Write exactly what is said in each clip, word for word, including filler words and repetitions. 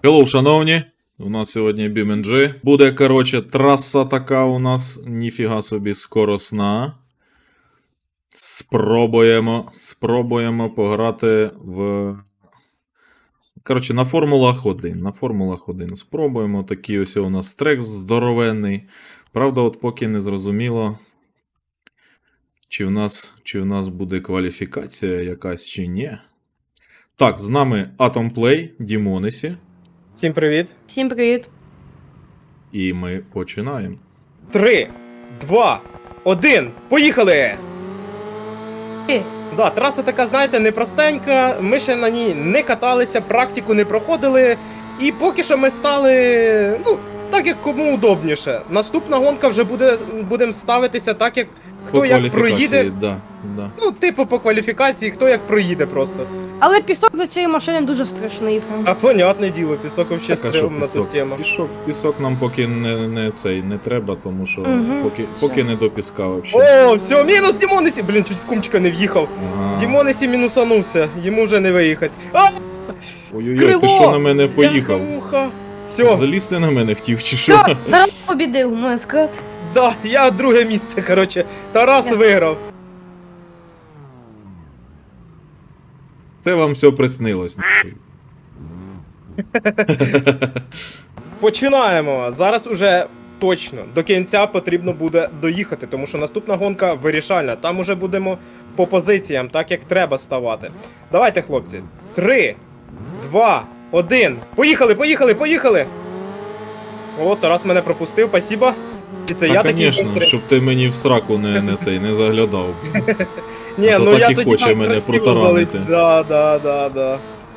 Hello, шановні. У нас сьогодні бі ем джі. Буде, коротше, траса така у нас, ніфіга собі скоросна. Спробуємо, спробуємо пограти в... Коротше, на Формулах один. На Формулах один спробуємо. Такий ось у нас трек здоровенний. Правда, от поки не зрозуміло, чи в нас, чи в нас буде кваліфікація якась, чи ні. Так, з нами Atomplay, Дімонесі. Всім привіт. Всім привіт. І ми починаємо. Три, два, один, поїхали! Е. Да, траса така, знаєте, непростенька, ми ще на ній не каталися, практику не проходили, і поки що ми стали, ну, так як кому удобніше. Наступна гонка вже буде, будемо ставитися так, як хто По як проїде. Да, да. Ну, типу по кваліфікації, хто як проїде просто. Але пісок за цієї машини дуже страшний. Прям. А понятне діло, пісок взагалі Так, а що стрьомна тут пісок? тема. Пісок, пісок нам поки не, не цей не треба, тому що Мгм. поки, поки не до піска взагалі. О, все, мінус Дімонесі! Блін, чуть в кумчика не в'їхав. Ага. Дімонесі мінусанувся, йому вже не виїхати. А, Ой-ой-ой, крило! ти що на мене поїхав? Все, Залізти на мене хотів чи що? Все, Тарас побідив, можна сказати. да, я друге місце, короче. Тарас Я- виграв. Це вам все приснилось. Починаємо. Зараз уже точно до кінця потрібно буде доїхати, тому що наступна гонка вирішальна. Там уже будемо по позиціям, так як треба ставати. Давайте, хлопці. Три, два, один. Поїхали, поїхали, поїхали! О, Тарас мене пропустив, спасибо. І це Та, я такий звісно, бистрий. щоб ти мені в сраку не, не цей не заглядав. Ні, А то ну так я і тоді хоче там мене красиво протаранити. залет- Да, да, да, да.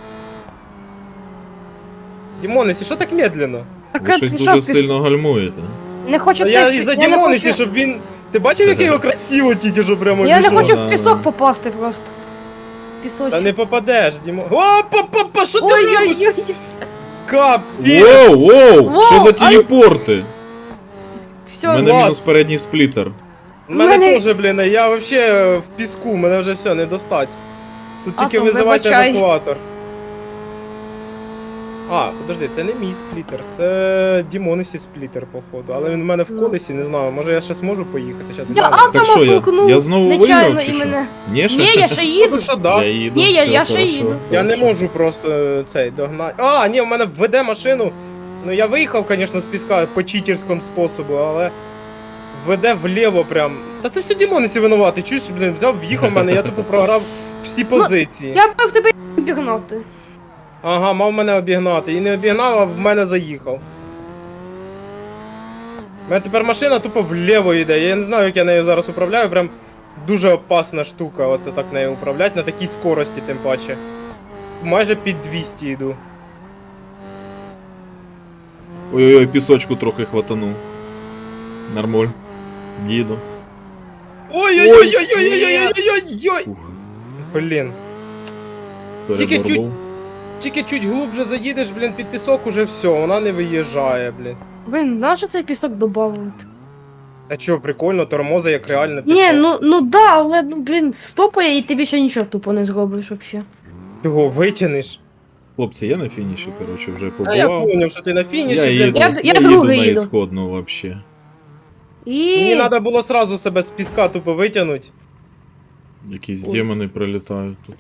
Дімонесі, що так медленно? Так, Ви щось ти дуже що, піс- сильно гальмуєте. Не хочу Та я ти- із-за я не Дімонесі, хочу- щоб він. Ти бачив, як його красиво тільки що прямо Я не пішло? хочу Да, в пісок да. попасти просто. Пісочок. Та не попадеш, Дімо. О, па-па-па, що ти робиш? Ой-ой-ой. Капець! Воу, воу! Воу, Що за ай- телепорти? У Все, мене клас. мінус передній сплітер. У мене Мене- теж, блін, я вообще в піску, мене вже все, не достать. Тут тільки Атом, визивайте вибачай. евакуатор. А, подожди, це не мій сплітер, це Дімонесі сплітер, походу. Але він в мене в Ну. колесі, не знаю, може я ще зможу поїхати, зараз Я гляну. Так атома що, я- толкнув. я знову нечайно виграв, чи і що? мене. Ні, ще? Ні, я ще їду. Ну що, да. Я їду. Ні, я- все, я ще хорошо, їду. Я не хорошо. можу просто е, цей догнати. А, ні, в мене веде машину. Ну я виїхав, звісно, з піска по читерському способу, але веде вліво прям. Та це все Дімонесі винувати. Чуєш, блін, взяв, в'їхав в мене, я тупо програв всі позиції. Я мав тебе обігнати. Ага, мав мене обігнати. І не обігнав, а в мене заїхав. У мене тепер машина тупо вліво йде. Я не знаю, як я нею зараз управляю. Прям дуже опасна штука, оце так нею управляти, на такій скорості, тим паче. Майже під двісті йду. Ой-ой-ой, пісочку трохи хватанув. Нормуль. Їду. Ой-ой-ой-ой-ой-ой-ой-ой-ой! Фух, Блін. Тільки переборнув. Тільки чуть глубже заїдеш, блін, під пісок, уже все, вона не виїжджає, блін. Блін, нащо цей пісок додавати? А чо, прикольно, тормоза як реально пісок. Ні, ну, ну да, але, ну, блін, стопає і ти більше нічого тупо не зробиш взагалі. Його витягнеш. Хлопці, я на фініші, коротше, вже А я побував. поняв, що ти на фініші, Я блін. їду, Я- я, я їду другий на їду. ісходну вообще. І... Мені треба було сразу себе з піска тупо витягнути. Якісь Ой. демони прилітають тут.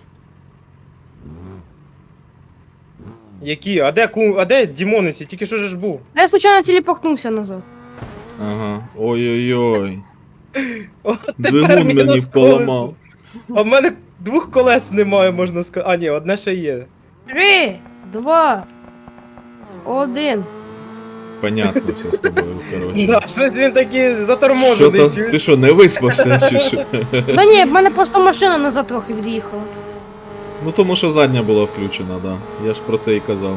Які? А де ку... А де Дімонесі? Тільки що ж був? Я случайно телепортнувся назад. Ага. Ой-ой-ой. О, Двигун тепер мені мінус поламав. колесо. А в мене двох колес немає, можна сказати. А, ні, одне ще є. Три, два, один. Понятно все з тобою, коротше. Да, щось він такий Що заторможений, там, чуєш? ти що, не виспався чи що? Та ні, в мене просто машина назад трохи від'їхала. Ну тому що задня була включена, да. Я ж про це і казав.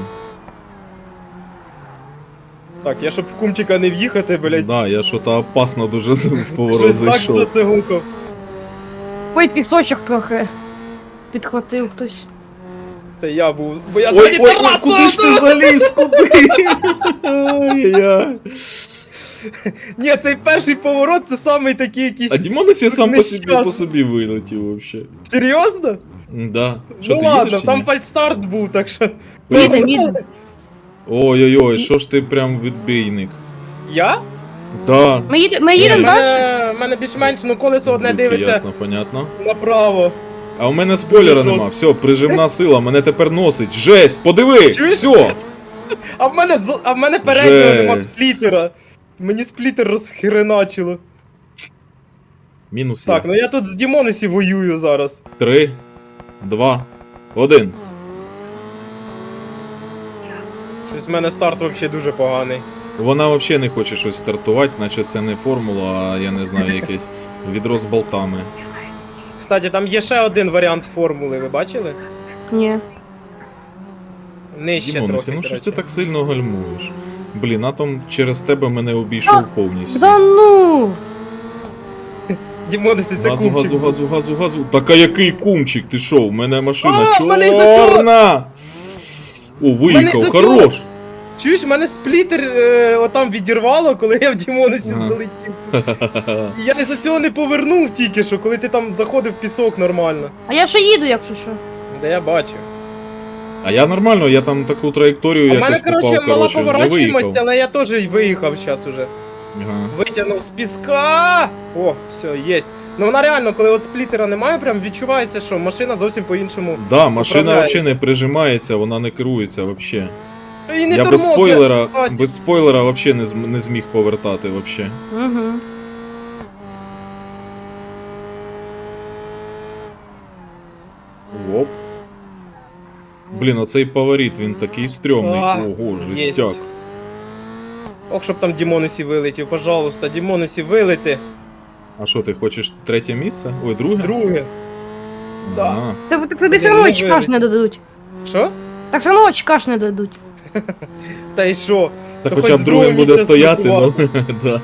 Так, я щоб в кумчика не в'їхати, блядь. Да, я що-то опасно дуже в поворот Щось так зайшов. зацигукав. Ой, пісочок трохи підхватив хтось. Це я був. Бо я Ой, ззаді ой, ой, Тараса! куди ж ти заліз? Куди? Ай-яй-яй. Ні, цей перший поворот це самий такий якийсь. А Дімонесі сам по собі, Нещасний. по собі вилетів вообще. Серйозно? Да. Що, Ну ти ладно, їдеш чи там ні? фальстарт був, так що. Їдем, їдем. Ой-ой-ой, що ж ти прям відбійник. Я? Да. Ми, їде, ми Ні, їдемо в далі? мене, в мене більш-менш, ну колесо одне Люки, дивиться Ясно, понятно. направо. А у мене спойлера Дуже нема. Все, прижимна сила, мене тепер носить. Жесть, подиви! Чуєш? Все! А в мене, з- а в мене переднього нема Жесть. сплітера. Мені сплітер розхреначило. Мінус Так, я. ну я тут з Дімонесі воюю зараз. Три, два, один. Щось в мене старт взагалі дуже поганий. Вона взагалі не хоче щось стартувати, наче це не формула, а я не знаю, якесь відро з болтами. Кстати, там є ще один варіант формули, ви бачили? Ні. Нижче Дімонесі, трохи, ну що ж коротше. ти так сильно гальмуєш? Блін, атом через тебе мене обійшов повністю. Да ну! Дімонесі, це Газу, кумчик. газу, газу, газу, газу. Так а який кумчик? Ти що? У мене машина А, в мене із-за цього- чорна! О, виїхав, із-за цього- хорош! Чуєш, в мене сплітер е, отам відірвало, коли я в Дімонесі Ага. залетів. І я із-за цього не повернув тільки що, коли ти там заходив в пісок нормально. А я ще їду, якщо що. Де я бачу. А я нормально, я там таку траєкторію А в якось мене, коротше, попав, мала коротше, не поворачуємость, виїхав. але я теж й виїхав зараз уже. Ага. Витягнув з піска. О, все, єсть. Ну вона реально, коли от сплітера немає, прям відчувається, що машина зовсім по-іншому. Да, машина Управляється. взагалі не прижимається, вона не керується взагалі. І не Я без тормозить, спойлера, кстати. без спойлера взагалі не, зм- не зміг повертати взагалі. Угу. Оп. Блін, оцей поворіт, він такий стрьомний. А, Ого, єсть. жестяк. Ох, щоб там Дімонесі вилетів, пожалуйста, Дімонесі вилети. А що, ти хочеш третє місце? Ой, друге? Друге. да. Ага. Так, так тобі все Блін, одно не очка ж вилетів. не дадуть. Що? Так все одно очка ж не дадуть. Та й що? Та То хоча хоч б з другим другого буде місця стояти, ну. стартувати. Да.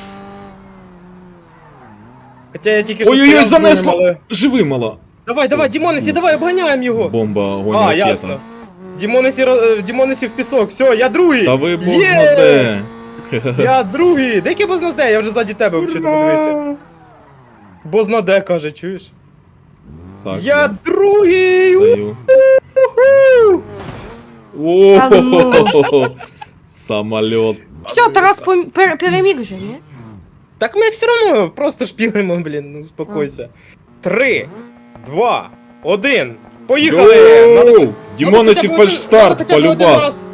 Хоча я тільки що Ой-ой-ой, стояв з другим, занесло! але- Живи, мала! Давай, давай, Дімонесі, давай, обганяємо його! Бомба, огонь, А, ракета. ясно. Дімонесі, ро- е, Дімонесі в пісок, все, я другий! Та ви бог Є! знаде. Я другий! Деякий бознаде, я вже ззаді тебе взагалі подивився. Бознаде, каже, чуєш? Так, Я да, другий! даю. Уху! Та ну. О, самоліт. Все, Тарас пом- пер- переміг вже, ні? Так ми все одно просто шпілимо, блін, ну успокойся. Три, два, один. Поїхали! Надо- Йоу! Дімонесі надо хоча б один- фальшстарт, надо хоча б один полюбас. раз-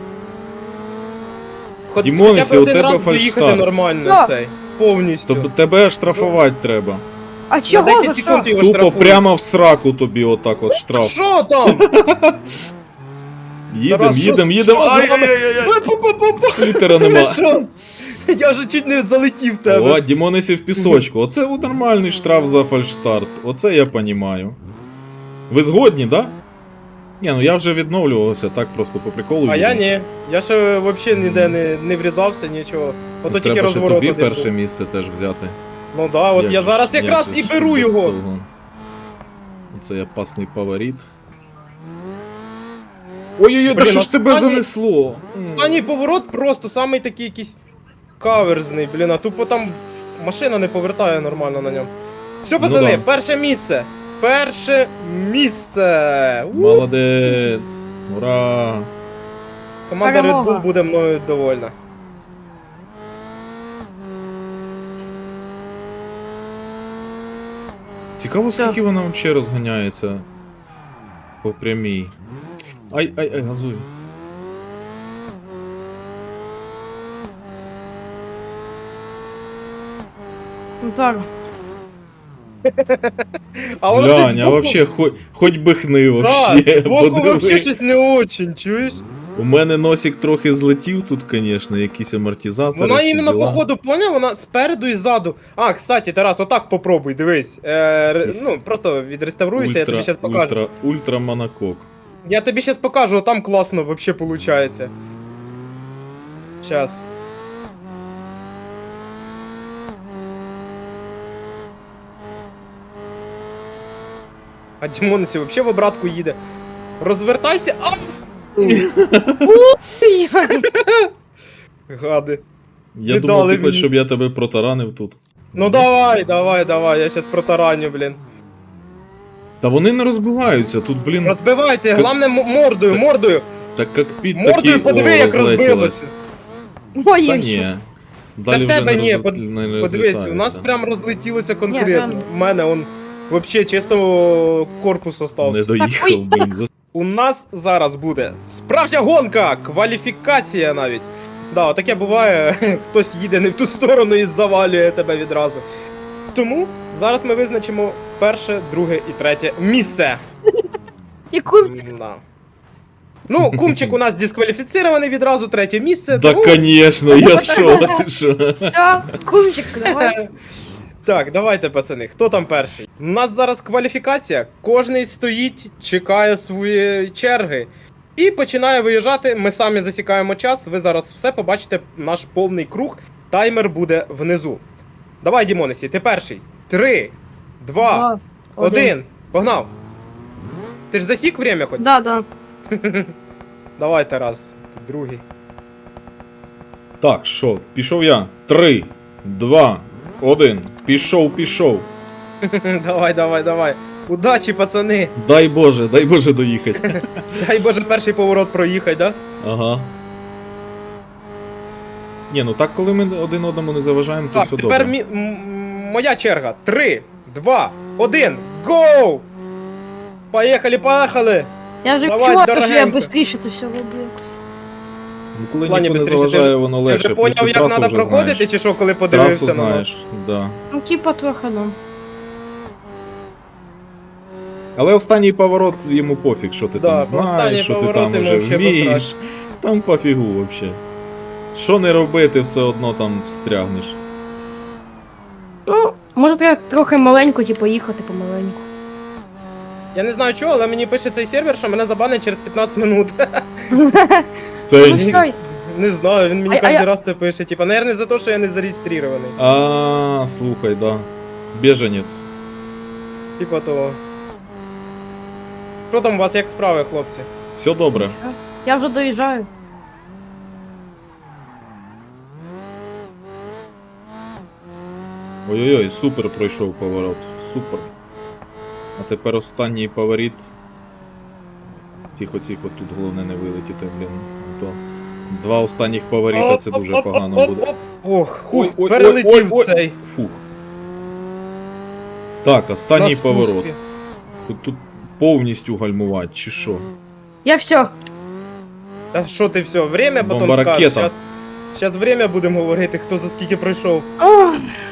Хоч- Дімонесі, хоча б у один тебе раз доїхати фальшстарт. нормально Да. цей. Повністю. Тобто тебе штрафувати треба. А На чого за десять що? секунд його Тупо штрафують. прямо в сраку тобі отак от штраф. Що там? Їдем, Тарас, що- їдем, їдем. що з вами? Ай-яй-яй-яй. Ой, пу-пу-пу-пу. Сплітера Ви нема. що? Я вже чуть не залетів в тебе. О, Дімонесі в пісочку. Оце от нормальний штраф за фальшстарт. Оце я понімаю. Ви згодні, да? Ні, ну я вже відновлювався, так просто по приколу. А я їду. ні. Я ще взагалі ніде не, не врізався, нічого. Ото тільки Треба ще розворот тобі один перше був. місце теж взяти. Ну да, от Як я же зараз ж, якраз як і же ж беру без його. того. Оце я пасний поворіт. Ой-ой-ой, да Блін, що ж тебе останній- занесло? М. Останній поворот просто самий такий якийсь каверзний, блін, а тупо там машина не повертає нормально на ньому. Все, Ну пацани, да. перше місце. Перше місце. У! Молодець. Ура. Команда Red Перемога. Bull буде мною довольна. Цікаво, Все. скільки вона взагалі розганяється по прямій. Ай, ай, ай, газуй. Ну, зараз. А воно щось Глянь, а збоку- вообще, хоч, хоч би хни Да, вообще. збоку подиви. вообще щось не очень, чуєш? У мене носик трохи злетів тут, звісно, якісь амортизатори. Вона всі іменно, діла. походу, поняв, вона спереду і ззаду. А, кстати, Тарас, отак попробуй, дивись. Е, ре- Якийсь ну, просто відреставруйся, я тобі зараз покажу. Ультра, ультра монокок. Я тобі зараз покажу, там класно вообще получається. Щас. А Дімонесі вообще в обратку їде. Розвертайся. А! Гади. Я Не думав, дали ти хочеш, мені. щоб я тебе протаранив тут. Ну давай, давай, давай, я щас протараню, блін. Та вони не розбиваються, тут, блін. Розбивається, К- головне м- мордою, Так. мордою. Так кокпіт такий, Мордою подиви, о, як розлетілось. розбилося. Та Ой, ні. Це Далі в тебе вже ні, не, под- роз... не Подивись, у нас розлітається. прям розлетілося Ні, конкретно. прям- У мене он вообще чисто корпус Не остався. доїхав, ой. блін. за- У нас зараз буде справжня гонка, кваліфікація навіть. Да, таке буває, хтось їде не в ту сторону і завалює тебе відразу. Тому зараз ми визначимо перше, друге і третє місце. Яку... Да. Ну, кумчик у нас дискваліфіцірований відразу, третє місце. Да, тому- конечно, я шо, ти шо? Все, кумчик, давай. Так, давайте, пацани, хто там перший? У нас зараз кваліфікація. Кожний стоїть, чекає свої черги. І починає виїжджати. Ми самі засікаємо час. Ви зараз все побачите, наш повний круг. Таймер буде внизу. Давай, Дімонесі, ти перший. Три, два, Два, один. Погнав. Ти ж засік время хоч? Да, да. Давай, Тарас, ти другий. Так, що, пішов я. Три, два, один. Пішов, пішов. Давай, давай, давай. Удачі, пацани. Дай Боже, дай Боже доїхати. Дай Боже, перший поворот проїхай, да? Ага. Ні, ну так, коли ми один одному не заважаємо, то Так, все тепер добре. мі- м- моя черга. Три, два, один, гоу! Поїхали, поїхали! Я вже Давай, чула, що я дорогенька. швидше це все роблю. Ну, коли В плані ніхто не бистріше, ти заважає, ж- воно Ти легше. вже плюс поняв, як трасу треба вже проходити, знаєш. чи що, коли Трасу подивився на нас? знаєш, да. Ну, типа трохи, да. Але останній поворот йому пофіг, що ти Да, там по знаєш, останній що ти поворот там йому вже вообще вмієш. посрать. Там пофігу вообще. Що не робити, все одно там встрягнеш. Ну, може треба трохи маленько, типу, їхати помаленьку. Я не знаю чого, але мені пише цей сервер, що мене забанять через п'ятнадцять минут. Це Ну все, Не знаю, він мені А- а кожен я- раз це пише. Типа, наверное, за те, що я не зареєстрований. А, слухай, да. Біженець. Типа того. Що там у вас, як справи, хлопці? Все добре. я вже доїжджаю. Ой-ой-ой, супер пройшов поворот. Супер. А тепер останній поворот. Тихо-тихо, тут головне не вилетіти, блін. То два останніх поворота це дуже Оп, оп, погано оп, буде. оп. Ох, Ой, хух, ой, перелетів ой, ой, ой. цей. Фух. Так, останній На поворот. спуску. Тут, тут повністю гальмувати, чи що? Я все. А що ти все, время потім Бомба скажеш? ракета. Щас, щас время будемо говорити, хто за скільки пройшов. О,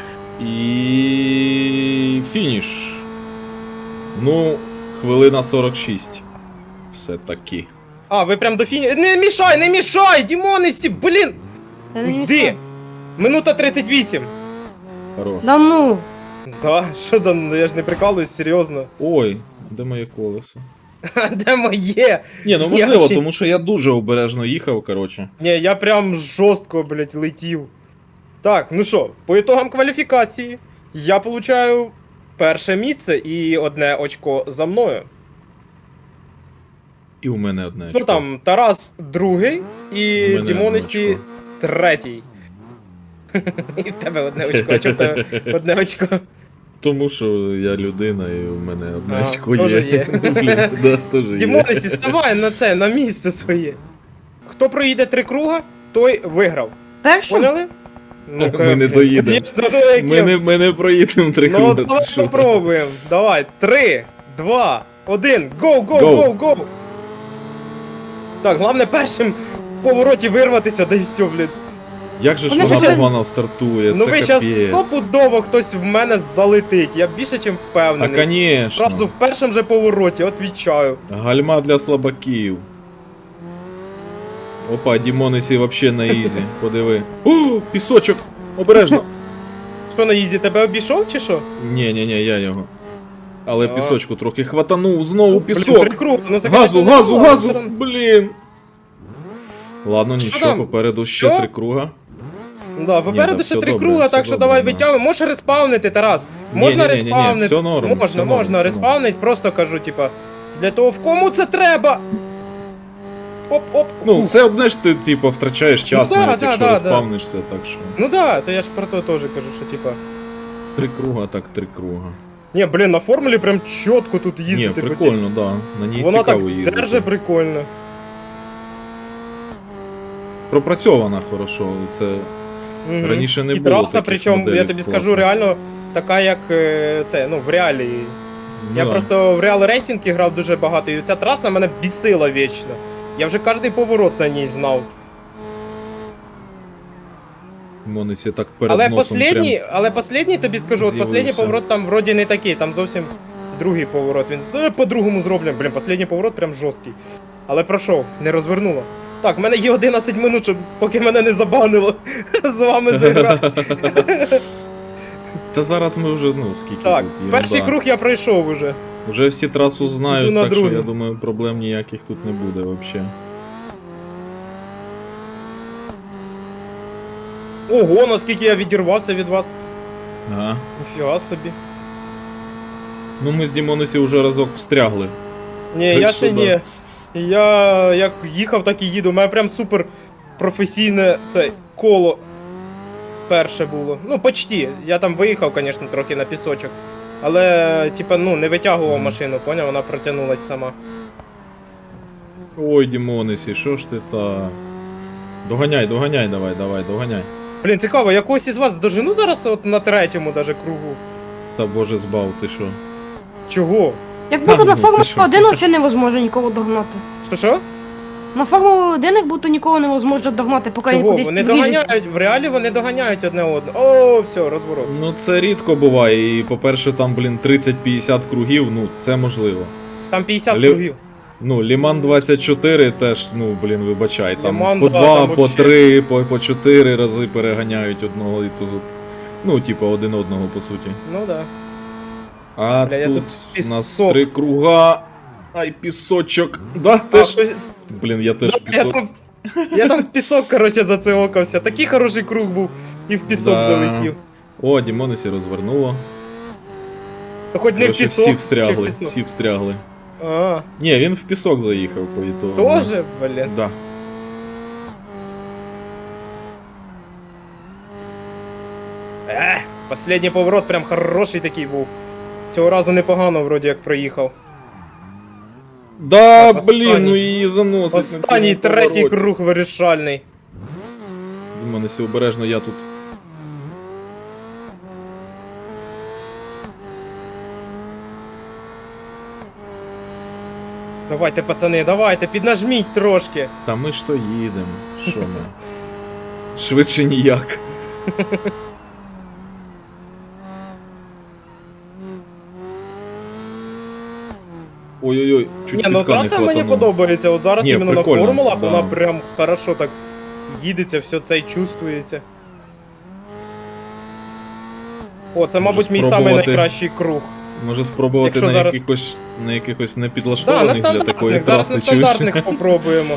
І фініш. Ну, хвилина сорок шість. Все таки. А, ви прям до фіні. Не мішай, не мішай! Дімонесі, блін! я не Йди! мішаю. Минута тридцять вісім. Хорош. Да ну. Да, що там, ну я ж не прикалуюсь, серйозно. Ой, де моє колесо? А де моє? Ні, ну Я можливо, вообще- тому що я дуже обережно їхав, коротше. Ні, я прям жорстко, блядь, летів. Так, ну що, по ітогам кваліфікації я получаю перше місце і одне очко за мною. І у мене одне Ну очко. там Тарас другий У і мене Дімонесі одне третій. І в тебе одне очко, чи в тебе одне очко. Тому що я людина і у мене одне А, очко теж є. є. Блін, да, теж є. Дімонесі, ставай на це, на місце своє. Хто проїде три круга, той виграв. Першим? Поняли? Ну, Ми не доїдемо. Конечно, ну, яке- Ми не, ми не проїдемо три Ну, круга. давай ти що? попробуємо. Давай, три, два, один, гоу, гоу, Go. гоу, гоу. Так, головне першим в повороті вирватися, да і все, блін. Як же ж Вони вона вже- погано стартує, Ну це ви щас капець. стопудово хтось в мене залетить, я більше чим А, впевнений. конечно. Зразу в першому же повороті, отвічаю. Гальма для слабаків. Опа, Дімонесі вообще на ізі. Подиви. О, пісочок! Обережно! Що на їзі, тебе обійшов чи що? Ні, ні, ні, я його. Але А. пісочку трохи хватанув, знову Блін, пісок. три круги, ну це, Газу, конечно, газу, непогано, газу! все одно. Блін. Ладно, Що нічого, там? попереду ще Що? три круга. Да, попереду да, ще все три добре, круга, все так що добре, давай да. витягуй. Можеш респавнити, Тарас. Можна Ні-ні-ні-ні, респавнити. все норм, можна, все норм, можна все респавнити, просто кажу, типа, для того, в кому це треба. Оп-оп. Ну, Ух. все одне ж ти, типу, втрачаєш час, Ну, да, навіть да, якщо да, розпавнишся, так що. Ну да, то я ж про то теж кажу, що типа. Три круга, так три круга. Ні, блін, на формулі прям чітко тут Ні, їздити. по цій- прикольно, да. На ній Вона так цікаво їздити. держи прикольно. пропрацьована хорошо. Це Мгм. раніше не І було траса, таких причому, я моделей тобі класних. скажу, реально така, як е, це, ну, в реалі. Ну, Я да. просто в Real Racing грав дуже багато, і ця траса мене бісила вічно. Я вже кожний поворот на ній знав. Монесі так перед Але носом последній, але последній, тобі скажу, от последній з'явився. поворот там вроді не такий, там зовсім другий поворот. Він «Е, по-другому зроблено. Блін, последній поворот прям жорсткий. Але пройшов, не розвернуло. Так, в мене є одинадцять минут, щоб поки мене не забанило з вами зіграти. прям... Та зараз ми вже, ну, скільки Так, тут є. перший круг я пройшов уже. Вже всі трасу знають, Іду на так що другий. я думаю, проблем ніяких тут не буде взагалі. Ого, наскільки я відірвався від вас. Ага. Ніфіга собі. Ну ми з Дімонесі вже разок встрягли. Ні, Так я що ще да. ні. Я як їхав, так і їду. У мене прям супер професійне це коло перше було. Ну, почти. Я там виїхав, звісно, трохи на пісочок. Але, типа, ну, не витягував Мгм. машину, поняв? Вона протягнулась сама. Ой, Дімонесі, що ж ти так? Доганяй, доганяй, давай, давай, доганяй. Блін, цікаво, я когось із вас дожену зараз от на третьому даже кругу. Та боже збав, ти що? Чого? Як будто А, на ну, Формулі ти що? один взагалі невозможно нікого догнати. Що що? На Формулі один як будто нікого невозможно догнати, поки він Чого? кудись Вони підвіжиться. доганяють, в реалі вони доганяють одне одне. О, все, розворот. Ну це рідко буває, і по-перше, там, блін, тридцять-п'ятдесят кругів, ну це можливо. Там п'ятдесят Лі- кругів. Ну, Ліман двадцять чотири теж, ну, блін, вибачай, там Ліман, по да, два, там по вообще. три, по, по чотири рази переганяють одного і ту. Ну, типу, один одного, по суті. Ну да. А Бля, я тут тут у нас пісок. три круга. Ай, пісочок. Да, А, теж. хтось- Блін, я теж Да, я, пісок. там, я там в пісок, коротше, зациокався. Такий хороший круг був і в пісок Да. залетів. О, Дімонесі розвернуло. Ну, хоч не в Короче, пісок. всі чи в встрягли, пісок. всі встрягли. А, Ні, він в пісок заїхав по ітогу. тоже, блін. Да. Ех, последній поворот прям хороший такий був. Цього разу непогано вроді як проїхав. Да, Так, блін, останній. ну її заносить. на Останній цьому третій повороті. круг вирішальний. Дімонесі, обережно, я тут. Давайте, пацани, давайте, піднажміть трошки. Та ми ж то їдемо. Що ми? Швидше ніяк. Ой-ой-ой, чуть Ні, ну піска не траса мені хватануло. подобається. От зараз Ні, іменно прикольно, на формулах да. вона прям хорошо так їдеться, все це і чувствується. О, це, Може, мабуть, мій самий спробувати найкращий круг. Може спробувати Якщо на зараз- якихось на якихось Да, на непідлаштованих для такої стандартних, зараз на траси, чуєш? стандартних попробуємо.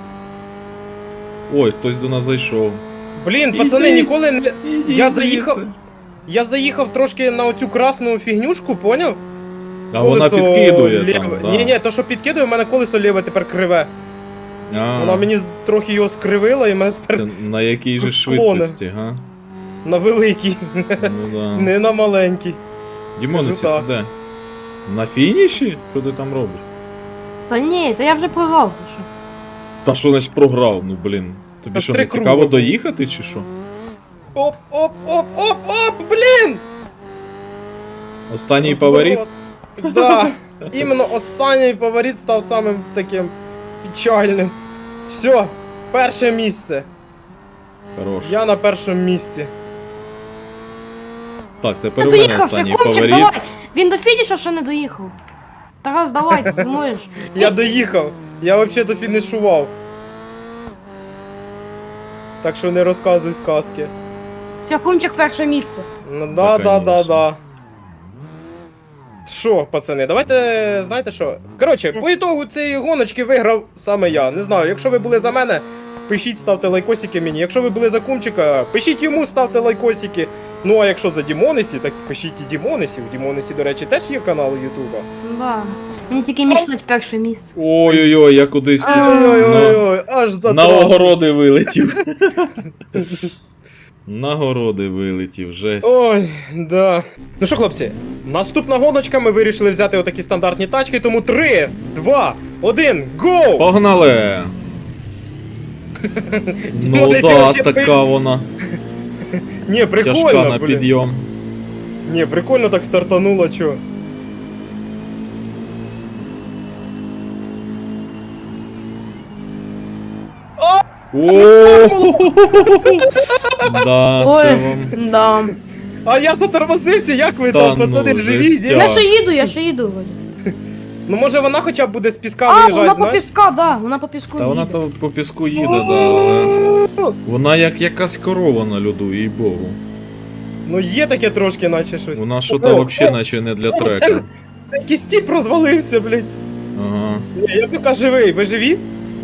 Ой, хтось до нас зайшов. Блін, пацани, Іди. ніколи не. Іди Я звідси. заїхав. Я заїхав трошки на оцю красну фігнюшку, поняв? А вона підкидує там, да. Ні, ні, то що підкидує, у мене колесо ліве тепер криве. А, Вона мені з- трохи його скривила і мене тепер це на якій же Клони. швидкості, га? на великий, Ну да. не на маленький. Дімонесі, кажу ти де? На фініші? Що ти там робиш? Та ні, це я вже програв, то що. Та що значить програв? Ну блін. Тобі Та що, три не цікаво круга. доїхати чи що? Оп, оп, оп, оп, оп, блін! Останній Розворот. фаворит? Да, іменно останній фаворит став самим таким печальним. Все, перше місце. Хорош. Я на першому місці. Так, Ти тепер у мене доїхав, останній Шакунчик, фаворит. давай! Він до фініша ще не доїхав. Тарас, давай, ти зможеш. Я доїхав. Я взагалі фінішував. Так що не розказуй сказки. Шакунчик перше місце. Ну Та, да, да, да, конечно. да. Що, пацани, давайте, знаєте що? Коротше, по ітогу цієї гоночки виграв саме я. Не знаю, якщо ви були за мене, пишіть, ставте лайкосики мені. Якщо ви були за Кумчика, пишіть йому, ставте лайкосики. Ну а якщо за Дімонесі, так пишіть і Дімонесі. У Дімонесі, до речі, теж є канал Ютуба. Да. Мені тільки мішать перше місце. Ой-ой-ой, я кудись тут на, Ой-ой-ой, аж за на трасу. огороди вилетів. На городи вилетів, жесть. Ой, да. Ну що, хлопці, наступна гоночка, ми вирішили взяти отакі стандартні тачки, тому три, два, один, гоу! Погнали! Ну Десь да, вообще така вона. Ні, Тяжка прикольно, на блін. підйом. Ні, прикольно так стартануло, чо. О, да, це Ой, вам. да. А я затормозився, як ви Та там, ну, пацани, живі? жестяк. ні? Я ще їду, я ще їду. Вроді. Ну може вона хоча б буде з піска А, вона виїжджати, по знаєш? піска, да, вона по піску Та вона їде. то по піску їде, да, але. Вона як якась корова на льоду, їй богу. Ну є таке трошки, наче щось. Вона що О, то о, взагалі наче не для о, трека. Це, це якийсь тіп розвалився, блядь. Ага. Ні, я поки живий, ви живі?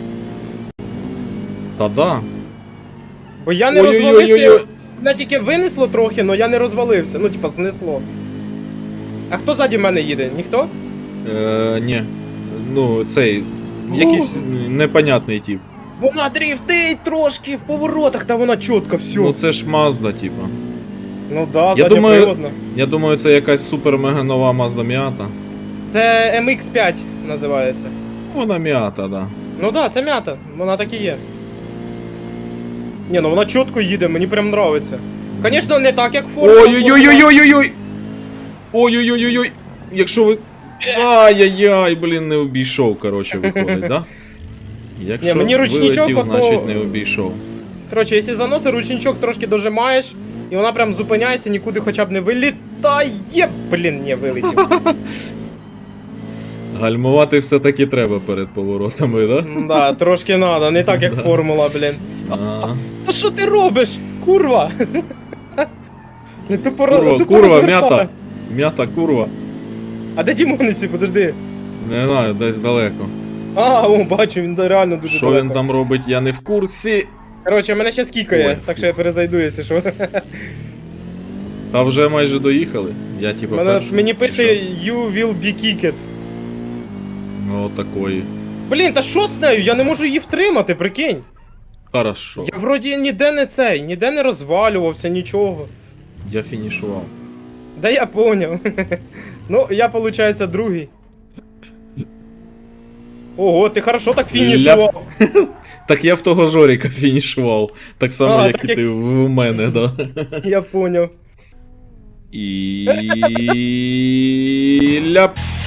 Та да. Бо я не Ой-ой-ой-ой-ой. розвалився. Мене тільки винесло трохи, але я не розвалився. Ну, типа, знесло. А хто ззаді мене їде? Ніхто? Е, ні. Ну, цей. Якийсь непонятний тип. Вона дріфтить трошки в поворотах, та вона чітко все. Ну Ну, це ж Mazda, типа. да, Я думаю- задньоприводна. Я думаю, це якась супер мега нова Mazda Miata. Це ем ікс п'ять називається. Вона Miata, да. Ну да, це м'ята, вона так і є. Ні, ну вона чітко їде, мені прям нравиться. Звісно, не так, як Формула. Ой-ой-ой-ой-ой-ой! Ой-ой-ой-ой-ой! Якщо ви. Ай-яй-яй, блін, не обійшов, коротше, виходить, да? Якщо Ні, мені ручничок вилетів, ото- значить не обійшов. Коротше, якщо заноси, ручничок трошки дожимаєш, і вона прям зупиняється, нікуди хоча б не вилітає. Блін, ні, вилетів. Гальмувати все-таки треба перед поворотами, да? Да, трошки надо, не так як Да. формула, блін. А, Та що ти робиш? Курва! Не тупо Курва, тупо курва, розвертай. м'ята. М'ята, курва. А де Дімонесі, подожди. Не знаю, десь далеко. А, о, бачу, він реально дуже Що далеко. він там робить, я не в курсі. Коротше, мене ще скікає, Ой, так що я перезайду, якщо що. Та вже майже доїхали. Я типа Мене, перший. мені пише You will be kicked. Ну, такої. Блін, та що з нею? Я не можу її втримати, прикинь. Хорошо. Я вроді ніде не цей, ніде не розвалювався, нічого. Я фінішував. Да я поняв. Ну, я, получается, другий. Ого, ти хорошо так фінішував. Так я в того Жоріка фінішував. Так само, А, як так і як- ти в мене, да. Я поняв. І ляп.